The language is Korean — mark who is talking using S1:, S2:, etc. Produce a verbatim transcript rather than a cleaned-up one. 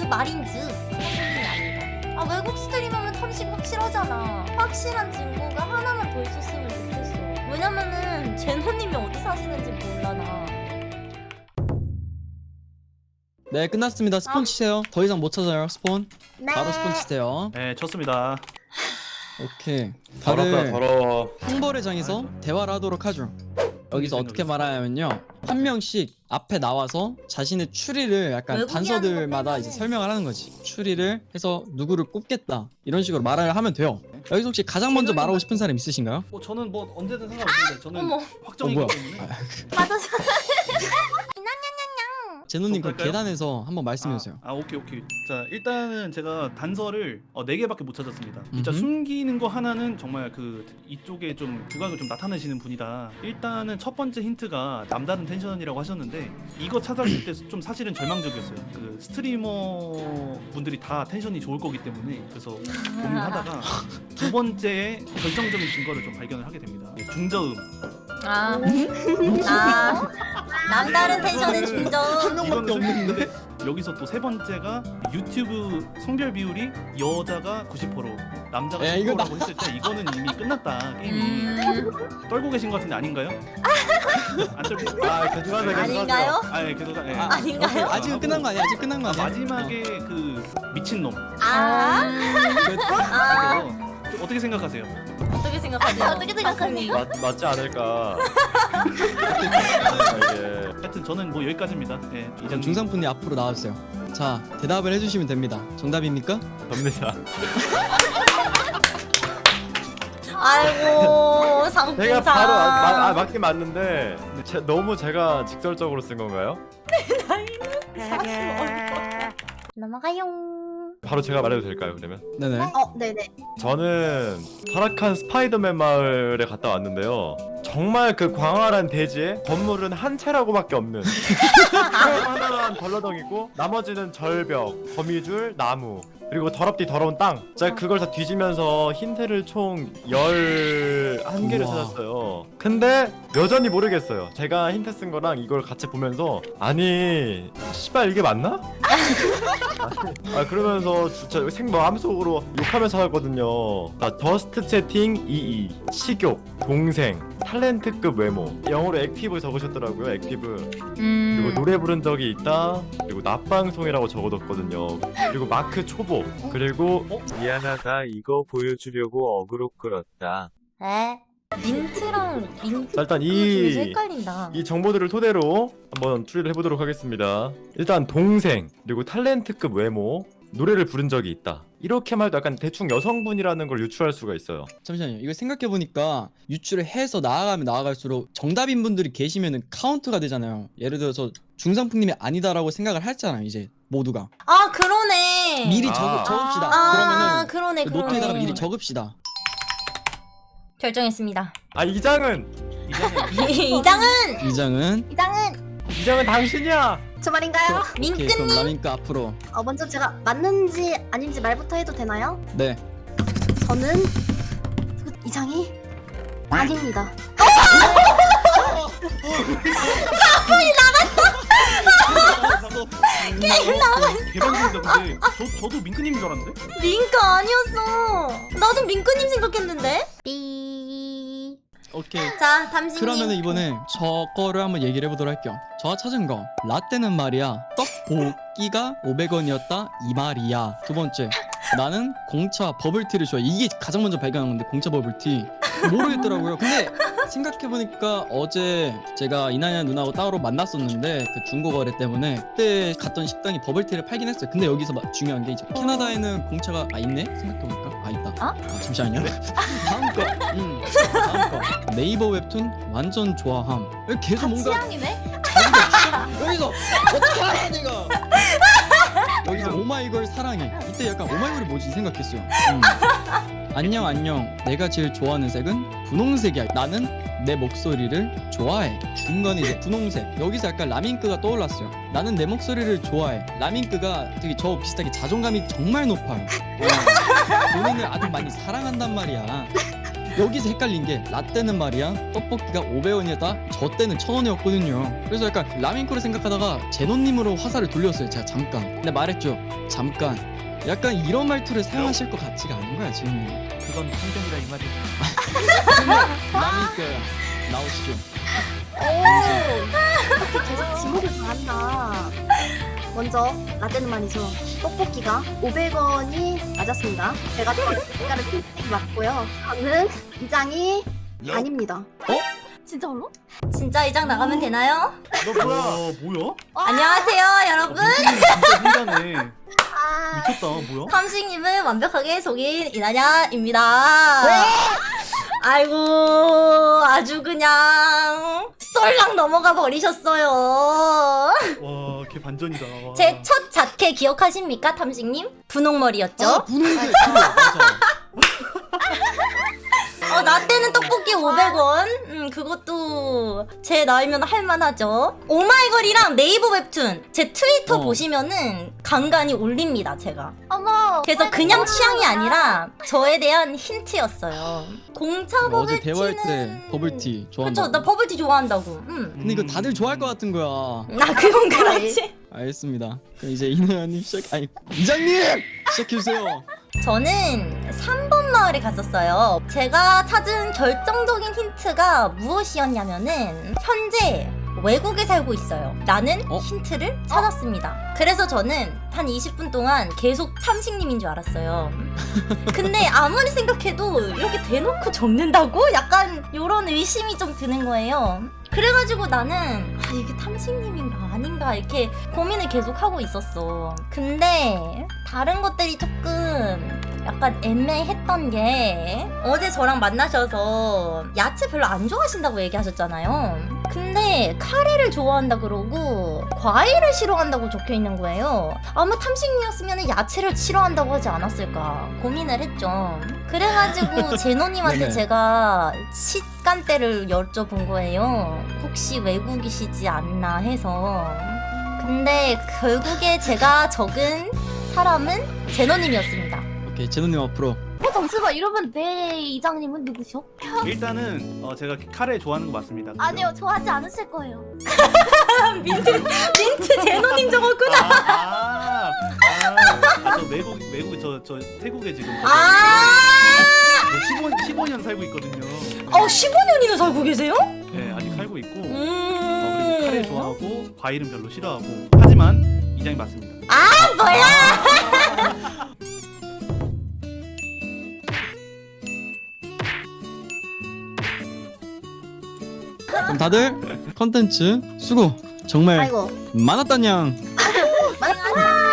S1: 말인즉 탐식이 아니다. 아 외국 스트리머면 탐식 확실하잖아. 확실한 증거가 하나만 더 있었으면 좋겠어. 왜냐면은 제노님이 어디 사시는지 몰라 나.
S2: 네 끝났습니다. 스폰
S1: 아.
S2: 치세요. 더 이상 못 찾아요. 스폰.
S3: 네.
S2: 바로 스폰 치세요.
S4: 네, 쳤습니다.
S2: 오케이.
S5: 더럽다
S2: 다들
S5: 더러워.
S2: 형벌의 장에서 대화를 하도록 하죠. 여기서 어떻게 말하냐면요, 한 명씩 앞에 나와서 자신의 추리를 약간
S1: 외국이
S2: 단서들마다
S1: 하는 거
S2: 이제
S1: 빼면은.
S2: 설명을 하는 거지. 추리를 해서 누구를 꼽겠다 이런 식으로 말을 하면 돼요. 여기서 혹시 가장 먼저 말하고 싶은 사람 있으신가요?
S4: 뭐 저는 뭐 언제든 상관없습니다. 저는
S1: 어머
S4: 확정이기
S2: 어, 뭐야.
S4: 때문에.
S1: 맞았어.
S2: 제노님 그
S4: 할까요?
S2: 계단에서 한번 말씀해주세요.
S4: 아, 아 오케이 오케이. 자 일단은 제가 단서를 어, 네 개밖에 못 찾았습니다. 진짜
S2: 음흠.
S4: 숨기는 거 하나는 정말 그 이쪽에 좀 두각을 좀 나타내시는 분이다. 일단은 첫 번째 힌트가 남다른 텐션이라고 하셨는데 이거 찾았을 때 좀 사실은 절망적이었어요. 그 스트리머 분들이 다 텐션이 좋을 거기 때문에 그래서 고민하다가 두 번째에 결정적인 증거를 좀 발견을 하게 됩니다. 네, 중저음.
S1: 아, 아 남다른 텐션의 중저음.
S4: 이거는 근데 여기서 또 세 번째가 유튜브 성별 비율이 여자가 구십 퍼센트 남자가
S2: 야,
S4: 십
S2: 이거 나-
S4: 퍼센트라고 했을 때 이거는 이미 끝났다 게임이.
S1: 음,
S4: 떨고 계신 것 같은데 아닌가요? 안 떨고.
S5: 아 괜찮아요.
S1: 아닌가요?
S4: 아, 예, 계속. 예.
S2: 아,
S1: 아닌가요?
S2: 아직은 끝난 거 아니야? 아직 끝난 거
S4: 아,
S2: 아니야?
S4: 마지막에 그 미친 놈.
S1: 아,
S2: 그-
S1: 아,
S4: 이거 어떻게 생각하세요?
S1: 어떻게 생각하세요? 어떻게 생각하세요?
S5: 맞, 맞지 않을까. 아, 예.
S4: 하여튼 저는 뭐 여기까지입니다. 예,
S2: 그럼
S4: 이장
S2: 중상분이 앞으로 나와주세요. 자, 대답을 해주시면 됩니다. 정답입니까?
S5: 접니다.
S1: 아이고 상풍상.
S5: 제가 바로 아, 마, 아, 맞긴 맞는데 제, 너무 제가 직설적으로 쓴 건가요?
S1: 넘어가요.
S5: 바로 제가 말해도 될까요 그러면?
S2: 네네.
S3: 어, 네네.
S5: 저는 타락한 스파이더맨 마을에 갔다 왔는데요. 정말 그 광활한 대지에 건물은 한 채라고밖에 없는 하나만 벌러덩이고 나머지는 절벽, 거미줄, 나무 그리고 더럽디 더러운 땅. 제가 그걸 다 뒤지면서 힌트를 총 열한 개를
S2: 우와.
S5: 찾았어요. 근데 여전히 모르겠어요. 제가 힌트 쓴 거랑 이걸 같이 보면서 아니 씨발 이게 맞나? 아 그러면서 진짜 생 마음속으로 욕하면서 살았거든요. 아, 더스트 채팅 이이 식욕 동생 탤런트급 외모 영어로 액티브 적으셨더라고요. 액티브. 그리고
S1: 음.
S5: 노래 부른 적이 있다. 그리고 낮방송이라고 적어뒀거든요. 그리고 마크 초보. 그리고 어?
S6: 미안하다 이거 보여주려고 어그로 끌었다.
S1: 에? 민트랑 민트.
S5: 자, 일단
S1: 그
S5: 이
S1: 헷갈린다.
S5: 이 정보들을 토대로 한번 추리를 해보도록 하겠습니다. 일단 동생 그리고 탤런트급 외모 노래를 부른 적이 있다. 이렇게만 해도 약간 대충 여성분이라는 걸 유추할 수가 있어요.
S2: 잠시만요. 이거 생각해보니까 유추를 해서 나아가면 나아갈수록 정답인 분들이 계시면은 카운트가 되잖아요. 예를 들어서 중상품님이 아니다라고 생각을 했잖아요. 이제 모두가
S1: 아 그러네.
S2: 미리
S5: 아.
S2: 적, 적읍시다.
S1: 아
S2: 그러면은
S1: 그러네
S2: 그
S1: 그러네.
S2: 노트에다가 미리 적읍시다.
S1: 결정했습니다.
S5: 아 이장은
S4: 이장님.
S1: 이장은
S2: 이장은
S3: 이장은
S5: 이장은 당신이야.
S3: 저 말인가요?
S2: 오케이, 그럼
S1: 민트님.
S2: 라민크 앞으로.
S3: 어, 먼저 제가 맞는지 아닌지 말부터 해도 되나요?
S2: 네.
S3: 저는 그 이장이 아닙니다.
S4: 개방적이다 근데 저 저도 민크님인 줄 알았는데.
S1: 민크 아니었어. 나도 민크님 생각했는데. 삐.
S2: 오케이.
S1: 자 담신님.
S2: 그러면은 이번에 저 거를 한번 얘기를 해보도록 할게요. 저가 찾은 거 라떼는 말이야 떡볶이가 오백 원이었다 이 말이야. 두 번째 나는 공차 버블티를 좋아해. 이게 가장 먼저 발견한 건데 공차 버블티 모르겠더라고요. 근데 생각해보니까 어제 제가 이나야 누나하고 따로 만났었는데 그 중고거래 때문에 그때 갔던 식당이 버블티를 팔긴 했어요. 근데 여기서 막 중요한 게 이제 캐나다에는 공차가 아 있네? 생각해보니까 아 있다.
S1: 어?
S2: 아, 잠시만요. 다음 거. 음, 다음 거. 네이버 웹툰 완전 좋아함. 여기 계속 뭔가
S1: 취향이네.
S2: 자기가 취향- 여기서 어떻게 알아 내가? 여기서 오마이걸 사랑해. 이때 약간 오마이걸이 뭐지 생각했어요. 음. 안녕 안녕. 내가 제일 좋아하는 색은 분홍색이야. 나는 내 목소리를 좋아해. 중간에 이제 분홍색. 여기서 약간 라민크가 떠올랐어요. 나는 내 목소리를 좋아해. 라민크가 되게 저 비슷하게 자존감이 정말 높아요. 어. 본인을 아주 많이 사랑한단 말이야. 여기서 헷갈린 게 라떼는 말이야 떡볶이가 오백 원이었다 저 때는 천 원이었거든요. 그래서 약간 라멘코를 생각하다가 제노님으로 화살을 돌렸어요. 제가 잠깐. 근데 말했죠. 잠깐. 약간 이런 말투를 사용하실 것 같지가 않은 거야 지금.
S4: 그건 편견이다 이 말이야.
S2: 라멘코 나오시죠.
S3: 오 계속 지목을 잘한다. 먼저 라떼는 말이죠. 떡볶이가 오백 원이 맞았습니다. 제가 떡볶이가를 픽픽 맞고요. 저는 이장이 아닙니다.
S7: 진짜로?
S1: 진짜 이장 나가면 되나요?
S4: 너 뭐야? 어, 뭐야?
S1: 안녕하세요 여러분.
S4: 진짜 혼자네.
S3: 아,
S4: 미쳤다. 뭐야?
S1: 탐식님을 완벽하게 속인 이나냐입니다. 아이고 아주 그냥 썰랑 넘어가 버리셨어요.
S4: 와, 걔 반전이다. 와.
S1: 제 첫 자켓 기억하십니까 탐식님? 분홍머리였죠?
S2: 아 분홍색 그래 맞아.
S1: 어, 나 때는 떡볶이 오백 원. 음, 그것도 제 나이면 할만하죠. 오마이걸이랑 네이버 웹툰 제 트위터
S2: 어.
S1: 보시면은 간간히 올립니다, 제가.
S7: 어머.
S1: 그래서 그냥 취향이 아니라 저에 대한 힌트였어요. 공차
S2: 어제
S1: 버블티는
S2: 대화할 때 버블티 좋아한다.
S1: 그쵸, 나 버블티 좋아한다고. 음.
S2: 근데 이거 다들 좋아할 것 같은 거야.
S1: 나 그건 그렇지.
S2: 알겠습니다. 그럼 이제 이나님 시작. 아니 이장님 시작해 주세요.
S1: 저는 삼 번 마을에 갔었어요. 제가 찾은 결정적인 힌트가 무엇이었냐면은 현재 외국에 살고 있어요. 라는
S2: 어?
S1: 힌트를 찾았습니다. 그래서 저는 한 이십 분 동안 계속 탐식님인 줄 알았어요. 근데 아무리 생각해도 이렇게 대놓고 적는다고? 약간 이런 의심이 좀 드는 거예요. 그래가지고 나는 아 이게 탐식님인가 아닌가 이렇게 고민을 계속 하고 있었어. 근데 다른 것들이 조금 약간 애매했던 게 어제 저랑 만나셔서 야채 별로 안 좋아하신다고 얘기하셨잖아요. 근데 카레를 좋아한다 그러고 과일을 싫어한다고 적혀 있는 거예요. 아마 탐식님이었으면 야채를 싫어한다고 하지 않았을까 고민을 했죠. 그래가지고 제노님한테
S2: 네네.
S1: 제가 시간대를 여쭤본 거예요. 혹시 외국이시지 않나 해서. 근데 결국에 제가 적은 사람은 제노님이었습니다.
S2: 오케이 제노님 앞으로.
S7: 어 잠시만 이러면 내 이장님은 누구셔?
S4: 일단은 어, 제가 카레 좋아하는 거 맞습니다. 그죠?
S7: 아니요 좋아하지 않으실 거예요.
S1: 민트 민트 제노님 적었구나.
S4: 아, 아, 아, 아, 저 외국 외국 저 저 태국에 지금
S1: 아,
S4: 십오, 십오 년 살고 있거든요.
S1: 어 십오 년이나 살고 계세요?
S4: 네, 아직 살고 있고. 어,
S1: 음.
S4: 그리고 카레 좋아하고 과일은 별로 싫어하고. 하지만 이장이 맞습니다.
S1: 아 뭐야?
S2: 그럼 다들 컨텐츠 수고 정말
S3: 아이고
S2: 많았다냥.
S3: 많았다.